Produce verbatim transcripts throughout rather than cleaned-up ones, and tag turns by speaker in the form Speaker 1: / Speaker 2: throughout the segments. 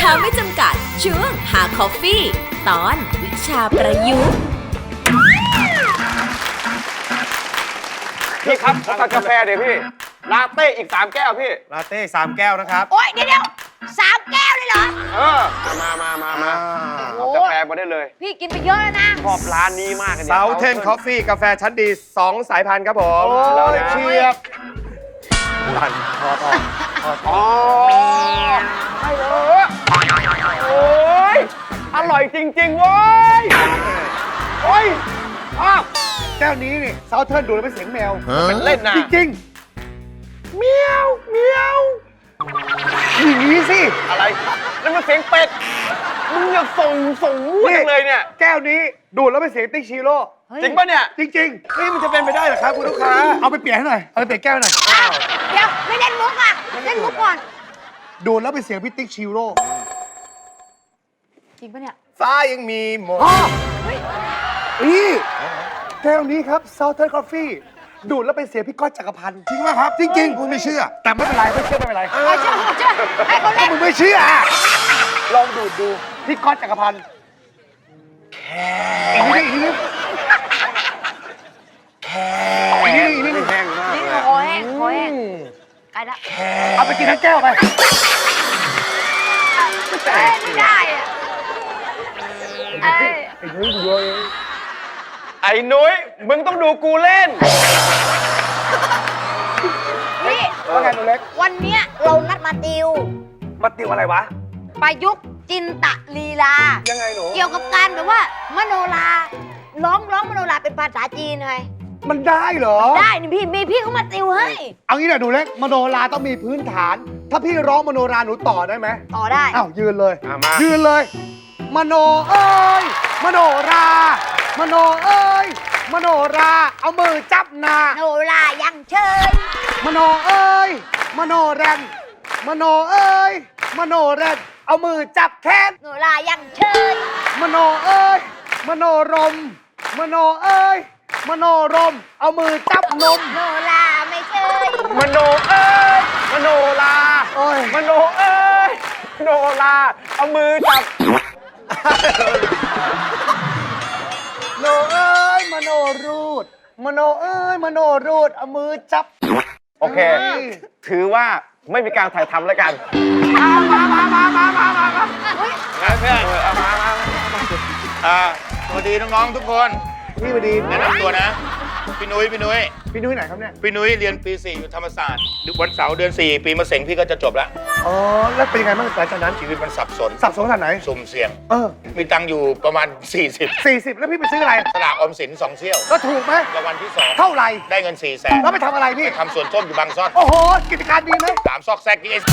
Speaker 1: าไม่จำกัดช่วงหาคอฟฟี่ตอนวิชาประยุกต์
Speaker 2: พี่ครับขอตัดกาแฟเดี๋ยวพี่ลาเต้อีกสามแก้วพี่
Speaker 3: ลาเต้สามแก้วนะครับ
Speaker 4: โอ๊ยเดี๋ยวเดี๋ยวสามแก้วเลยเหรอ
Speaker 2: เออมามามามาเอากาแฟมาได้เลย
Speaker 4: พี่กินไปเยอะแล้วนะ
Speaker 2: ชอบร้านนี้มากเลย
Speaker 3: เซาเทนคอฟฟี่กาแฟชั้นดีสองสายพันธุ์ครับผม
Speaker 2: แล้วเชียบ
Speaker 3: หลั่นทอดออกทอดอ
Speaker 2: อ๋อ
Speaker 3: อก
Speaker 2: ใช่เลยโอ้ยอร่อยจริงๆเว้ยโอ้ยอ้าว
Speaker 3: แก้วนี้นี่เซาเทิร์นดูแล้วเป็นเสียงแมว
Speaker 2: เป็นเล่นนะ
Speaker 3: จริงๆเมียวเมียวอย่างนี้สิ
Speaker 2: อะไรนั่นมันเสียงเป็ดมึงอย่าส่งส่งมั่วเลยเนี่ย
Speaker 3: แก้วนี้ดูแล้วเป็นเสียงติ๊กชิโร่
Speaker 2: จริงป่ะเนี่ย
Speaker 3: จริงๆนี่มันจะเป็นไปได้เหรอครับคุณลูกค้าเอาไปเปลี่ยนให้หน่อยเอาไปเปลี่ยนแก้วหน่อย
Speaker 4: เดี๋ยวไม่เล่นมุกอ่ะเล่นมุกก่อน
Speaker 3: ดูแล้วเป็นเสียงพี่ติ๊กชิโร่
Speaker 4: จริงปะเนี่ย
Speaker 3: ฟ้ายังมีหมอกนี่แก้วนี้ครับ Southern Coffee ดูดแล้วเป็นเสียงพี่ก้อยจักรพันธ์จริงไหมครับจริงๆคุณไม่เชื่อแต่ไม่เป็นไรไม่เชื่อไม่เป็นไร
Speaker 4: ไม่เชื่อไม่เชื่อให้เขาเล่น
Speaker 3: มึงไม่เชื่อลองดูดดูพี่ก้อยจักรพันธ์แค่อีกนิดอีกนิดแค่อีกนิดอีกนิดแห้งมาก
Speaker 4: นี่คอแห้งคอแห้งไกลละ
Speaker 3: เอาไปกินทั้งแก้วไป
Speaker 4: ไม่ได้อะไอ้
Speaker 2: ไอ้นุ้ยดูเองไอ้นุ้ยมึงต้องดูกูเล่น
Speaker 4: นี่
Speaker 3: ว่าไงหนูเล็ก
Speaker 4: วันเนี้ยเรานัดมาติว
Speaker 2: มาติวอะไรวะ
Speaker 4: ประยุกต์จินตลีลา
Speaker 2: ยังไงหนู
Speaker 4: เกี่ยวกับการแบบว่ามโนราร้องร้องมโนราเป็นภาษาจีนไง
Speaker 3: มันได้เหรอ
Speaker 4: ได้นี่พี่มีพี่เขามาติวให้
Speaker 3: เอางี้หน่อยหนูเล็กมโนราต้องมีพื้นฐานถ้าพี่ร้องมโนราหนูต่อได้ไหม
Speaker 4: ต่อได้
Speaker 3: อ้าวยืนเลยยืนเลยมโนเอ้ยมโนรามโนเอ้ยมโนราเอามือจับหน้า
Speaker 4: โนรายังเชย
Speaker 3: มโนเอ้ยมโนแรนมโนเอ้ยมโนแรนเอามือจับแขน
Speaker 4: โนรายังเชย
Speaker 3: มโนเอ้ยมโนรมมโนเอ้ยมโนรมเอามือจับนม
Speaker 4: โนราไม่เชย
Speaker 2: มโนเอ้ยมโนราโอ้ยมโนเอ้ยมโนราเอามือจับ
Speaker 3: โนเอ้ยมโนรูดมโนเอ้ยมโนรูดเอามือจับ
Speaker 2: โอเคถือว่าไม่มีการถ่ายทำแล้วกันมามามามามามามามา
Speaker 5: เพื่อนเอามามาอ่าสวัสดีน้องๆทุกคน
Speaker 3: พี่สวัสดี
Speaker 5: แนะนำตัวนะพี่นุ้ยพี่นุ้ย
Speaker 3: พี่นุ้ยไหนครับเนี่ย
Speaker 5: พี่นุ้ยเรียนปีสี่อยู่ธรรมศาสตร์วันเสาร์เดือนสี่ปีมะเสงพี่ก็จะจบแล้ว
Speaker 3: อ๋อแล้วเป็นยังไงบ้างหลังจากนั้น
Speaker 5: ชีวิตมันสับสน
Speaker 3: สับสนขนาดไหน
Speaker 5: สุ่มเสี่ยง
Speaker 3: เออ
Speaker 5: มีตังค์อยู่ประมาณสี่สิบ
Speaker 3: สี่สิบแล้วพี่ไปซื้ออะไร
Speaker 5: สลากออมสินสองเซี่ยว
Speaker 3: ก็ถูกไหม
Speaker 5: รางวัลที่สอง
Speaker 3: เท่าไหร่
Speaker 5: ได้เงินสี่แสน
Speaker 3: แล้วไปทำอะไรพี่
Speaker 5: ทำสวนส้มอยู่บางซ่อน
Speaker 3: โอ้โหกิจการดีไหม
Speaker 5: สามซอกแซกดีเอส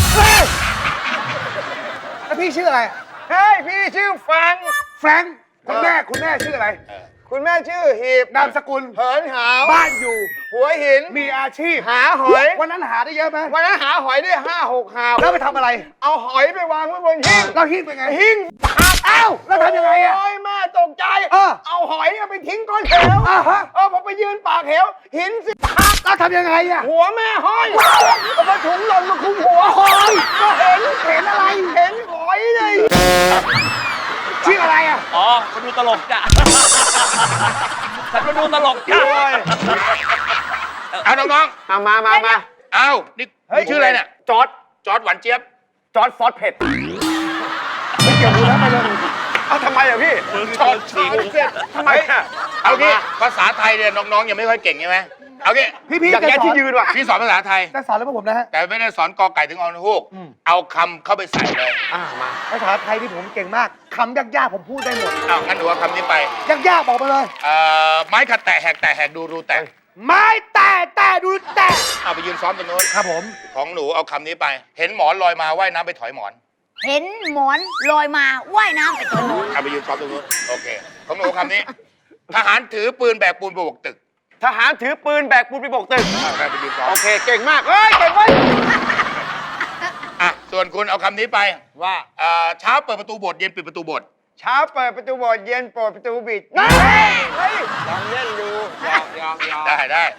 Speaker 3: แล้วพี่ชื่ออะไร
Speaker 2: เฮ้ยพี่ชื่อแฟรงค์
Speaker 3: แฟรงค์คุณแม่คุณแม่ชื่ออะไร
Speaker 2: คุณแม่ชื่อหีบ
Speaker 3: นามสกุล
Speaker 2: เหินหาว
Speaker 3: บ้านอยู่
Speaker 2: หัวหิน
Speaker 3: มีอาชีพ
Speaker 2: หาหอย
Speaker 3: วันนั้นหาได้เยอะไหม
Speaker 2: วันนั้นหาหอยได้ห้าหกหาว
Speaker 3: แล้วไปทำอะไร
Speaker 2: เอาหอยไปวางไว้บนหิ้ง
Speaker 3: แล้วหิ้งเป็นไง
Speaker 2: หิ้ง
Speaker 3: อ้าวแล้วทำยังไงอ่ะ
Speaker 2: โอ้ยแม่ตกใจเอาหอยไปทิ้งก้อนเหวเออผมไปยืนปากเหวหินสิ
Speaker 3: แล้วทำยังไงอ่ะ
Speaker 2: หัวแม่ห้อยเอามาถุงหล่นมาคุมหัว
Speaker 3: หอย
Speaker 2: ก็เห็น
Speaker 3: เห็นอะไร
Speaker 2: เห็นหอยเลย
Speaker 3: ชื่ออะไรอ่ะ
Speaker 5: อ๋อมาดูตลกจ้ะฉันมาดูตลกจ้ะเอาน้อง
Speaker 2: ๆเอามามามา
Speaker 5: เอานี่ชื่ออะไรเนี่ย
Speaker 2: จอร์ด
Speaker 5: จอร์ดหวานเจี๊ยบ
Speaker 2: จอร์ดซอสเผ็ด
Speaker 3: ไม่เกี่ยวดูแล้วไปเลย
Speaker 2: เอาทำไมอ่ะพี่
Speaker 5: จอร์ดสี
Speaker 2: ทำไมอ่ะ
Speaker 5: เอางี้ภาษาไทยเนี่ยน้องๆยังไม่ค่อยเก่งใช่ไหมเอางี้
Speaker 3: พี่พี่
Speaker 2: อยากแย่ที่ยืนว่ะ
Speaker 5: พี่สอนภาษาไทย
Speaker 3: จะสอนแล้วผมนะฮะ
Speaker 5: แต่ไม่ได้สอนกอไก่ถึงอฮูกเอาคำเข้าไปใส่เลย
Speaker 2: อ่ามา
Speaker 3: ภาษาไทยที่ผมเก่งมากคำยากๆผมพูดได้หมด
Speaker 5: เอางั้นหนูเอาคำนี้ไป
Speaker 3: ยากๆบอกมาเลย
Speaker 5: เอ่อไม้ขัดแตะแหกแตะแหกดูรูแตะ
Speaker 3: ไม้แตะแตะดูแตะ
Speaker 5: เอาไปยืนซ้อมตรงโน้น
Speaker 3: ครับผม
Speaker 5: ของหนูเอาคำนี้ไปเห็นหมอนลอยมาว่ายน้ำไปถอยหมอน
Speaker 4: เห็นหมอนลอยมาว่ายน้ำไปถอยหมอน
Speaker 5: เอาไปยืนซ้อมตรงโน้นโอเคของหนูคำนี้ทหารถือปืนแบกปูนไปบกตึก
Speaker 2: ทหารถือปืนแบกปูนไปบกตึก
Speaker 5: ไปยืนซ้อม
Speaker 2: โอเคเก่งมากเฮ้ยเก่งเว้ย
Speaker 5: อ่ะส่วนคุณเอาคำนี้ไปว่าเช้าเปิดประตูโบสถ์เย็นปิดประตูโบสถ์
Speaker 2: เช้าเปิดประตูโบสถ์เย็นเปิดประตูบิด
Speaker 5: เฮ้
Speaker 2: ยลองเล่นดูยอมยอมยอม
Speaker 5: ได้ได้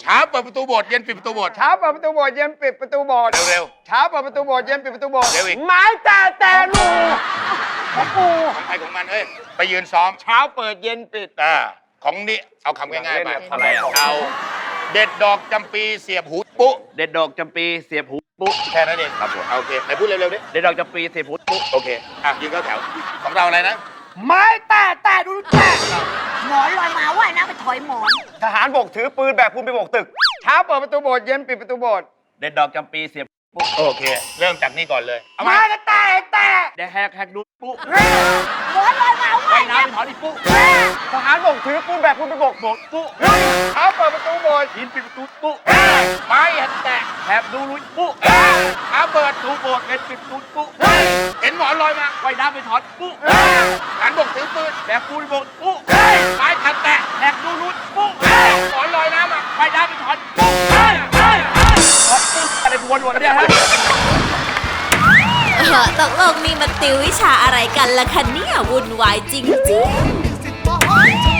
Speaker 5: เช้าเปิดประตูโบสถ์เย็นปิดประตูโบสถ์
Speaker 2: เช้าเปิดประตูโบสถ์เย็นปิดประตูโบสถ์
Speaker 5: เร็ว
Speaker 2: เช้าเปิดประตูโบสถ์เย็นปิดประตูโบสถ์
Speaker 5: เร็วอีก
Speaker 2: ไม้แต่แต่ลูของปู
Speaker 5: ๆของใครของมันเฮ้ยไปยืนซ้อม
Speaker 2: เช้าเปิดเย็นปิด
Speaker 5: อ่าของนี่เอาคำง่ายๆไป
Speaker 2: อะไรอ่ะ
Speaker 5: เอาเด็ดดอกจำปีเสียบหูปุ๊
Speaker 6: เด็ดดอกจำปีเสียบหูปุ๊
Speaker 5: แค่นั้นเองครับผมโอเคไหนพูดเร็วๆดิ
Speaker 6: เด็ดดอกจำปีเสียบหูปุ๊
Speaker 5: โอเคอ่ะยืนเข้าแถวของเราอะไรนะ
Speaker 2: ไม้แต่แต่ดูแต่
Speaker 4: หมอนลอยมาว่ายน้ำไปถอยหมอน
Speaker 2: ทหารบกถือปืนแบกปูนไปโบกตึก เช้าเปิดประตูโบสถ์เย็นปิดประตูโบสถ์
Speaker 6: เด็ดดอกจำปีเสียบปุ๊
Speaker 5: โอเค เริ่มจากนี่ก่อนเลยเอามา
Speaker 2: ไม้แต่แต่
Speaker 6: เด็ดแหกแหกดูปุ๊
Speaker 4: หมอนลอยมาว่า
Speaker 6: ว่าย
Speaker 4: ย
Speaker 6: น้ำ
Speaker 4: น้ำ
Speaker 6: ไปถอนอีปุ๊
Speaker 2: ทหารบกถือปืนแบกปูนไปโบก
Speaker 6: โบกปุ๊
Speaker 2: เช้าเปิดประตูโบสถ์
Speaker 6: ยินปิดประตูปุ๊
Speaker 5: ไม้เห็นแตก
Speaker 6: แหกดูลุยปุ๊
Speaker 5: เช้าเปิด
Speaker 6: ตูโบดเด็ดปิดประตูปุ๊
Speaker 5: เห็นหมอนลอยมา
Speaker 6: ว่ายน้ำไปถอนปุ๊
Speaker 5: ทหารบกถือปืน
Speaker 6: แบกปูนโบกปุ๊
Speaker 5: ไม้ขัดแตะ
Speaker 6: แหกดูลุยปุ๊
Speaker 5: หมอนลอยน้ำมา
Speaker 6: ว่ายน้ำไปถอนปุ๊เฮ้ยเฮ้ยเฮ้ยถอนปุ๊อะไรวนวนเนี่ยฮะ
Speaker 1: เออตกลงนี่มันติววิชาอะไรกันล่ะคะเนี่ยวุ่นวายจริงๆ